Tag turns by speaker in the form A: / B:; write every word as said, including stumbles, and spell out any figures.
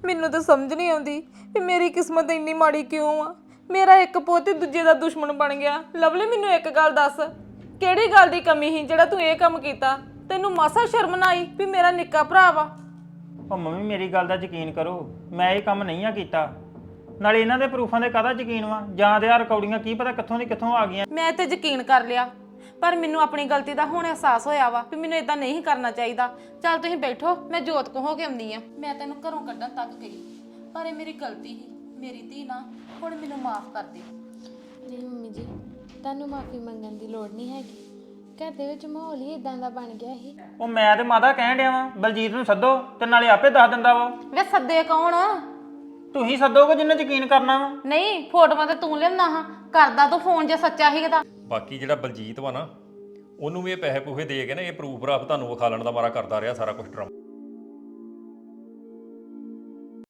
A: ਮੈਨੂੰ ਤਾਂ ਸਮਝ ਨਹੀਂ ਆਉਂਦੀ ਵੀ ਮੇਰੀ ਕਿਸਮਤ ਇੰਨੀ ਮਾੜੀ ਕਿਉਂ ਆ। ਮੇਰਾ ਇੱਕ ਪੁੱਤ ਦੂਜੇ ਦਾ ਦੁਸ਼ਮਣ ਬਣ ਗਿਆ। ਲਵਲੀ ਮੈਨੂੰ ਇੱਕ ਗੱਲ ਦੱਸ, ਕਿਹੜੀ ਗੱਲ ਦੀ ਕਮੀ ਸੀ ਜਿਹੜਾ ਤੂੰ ਇਹ ਕੰਮ ਕੀਤਾ? ਤੈਨੂੰ ਮਾਸਾ ਸ਼ਰਮ ਨਾ ਆਈ ਵੀ ਮੇਰਾ ਨਿੱਕਾ ਭਰਾ ਵਾ?
B: ਉਹ ਮੰਮੀ ਮੇਰੀ ਗੱਲ ਦਾ ਯਕੀਨ ਕਰੋ, ਮੈਂ ਇਹ ਕੰਮ ਨਹੀਂ ਆ ਕੀਤਾ। ਨਾਲੇ ਇਹਨਾਂ ਦੇ ਪ੍ਰੂਫਾਂ ਦੇ ਕਾਹਦਾ ਯਕੀਨ ਵਾ? ਜਾਂ ਤੇ ਆ ਰਿਕਾਰਡਿੰਗਾਂ ਕੀ ਪਤਾ ਕਿੱਥੋਂ ਦੀ ਕਿੱਥੋਂ ਆ ਗਈਆਂ।
A: ਮੈਂ ਤੇ ਯਕੀਨ ਕਰ ਲਿਆ, ਪਰ ਮੈਨੂੰ ਆਪਣੀ ਗਲਤੀ ਦਾ ਹੁਣ ਅਹਿਸਾਸ ਹੋਇਆ ਵਾ ਵੀ ਮੈਨੂੰ ਇਦਾਂ ਨਹੀਂ ਕਰਨਾ ਚਾਹੀਦਾ। ਚੱਲ ਤੁਸੀਂ ਬੈਠੋ, ਮੈਂ ਜੋਤ ਕੋ ਹੋ ਕੇ ਆਉਂਦੀ ਆ। ਮੈਂ ਤੈਨੂੰ ਘਰੋਂ ਕੱਢਣ ਤੱਕ ਗਈ, ਪਰ ਇਹ ਮੇਰੀ ਗਲਤੀ ਸੀ। ਮੇਰੀ ਧੀ ਨਾ, ਹੁਣ ਮੈਨੂੰ ਮਾਫ ਕਰ ਦੇ।
C: ਨਹੀਂ ਮੰਮੀ ਜੀ, ਤੁਹਾਨੂੰ ਮਾਫੀ ਮੰਗਣ ਦੀ ਲੋੜ ਨਹੀਂ ਹੈਗੀ। ਘਰ ਦੇ ਵਿੱਚ ਮਾਹੌਲ ਹੀ ਇਦਾਂ ਦਾ ਬਣ ਗਿਆ ਸੀ।
B: ਉਹ ਮੈਂ ਤੇ ਮਾਤਾ ਕਹਿਣ ਡਿਆ ਵਾਂ ਬਲਜੀਤ ਨੂੰ ਸੱਦੋ ਤੇ ਨਾਲੇ ਆਪੇ ਦੱਸ ਦਿੰਦਾ ਵਾ।
A: ਵੇ ਸੱਦੇ ਕੌਣ?
B: ਤੁਸੀਂ ਸੱਦੋਗੇ ਜਿੰਨੇ ਯਕੀਨ ਕਰਨਾ ਵਾ।
A: ਨਹੀਂ, ਫੋਟੋਆਂ ਤੇ ਤੂੰ ਲਿਆਉਣਾ ਹਾਂ, ਕਰਦਾ ਤੂੰ ਫੋਨ ਜੇ ਸੱਚਾ ਹੀ ਤਾਂ।
D: ਬਾਕੀ ਜਿਹੜਾ ਬਲਜੀਤ ਵਾ ਨਾ, ਉਹਨੂੰ ਵੀ ਇਹ ਪੈਸੇ ਪੂਹੇ ਦੇ ਕੇ ਨਾ ਇਹ ਪ੍ਰੂਫ ਰਾਫ ਤੁਹਾਨੂੰ ਵਿਖਾਲਣ ਦਾ ਮਾਰਾ ਕਰਦਾ ਰਿਹਾ ਸਾਰਾ ਕੁਝ ਡਰਾਮਾ।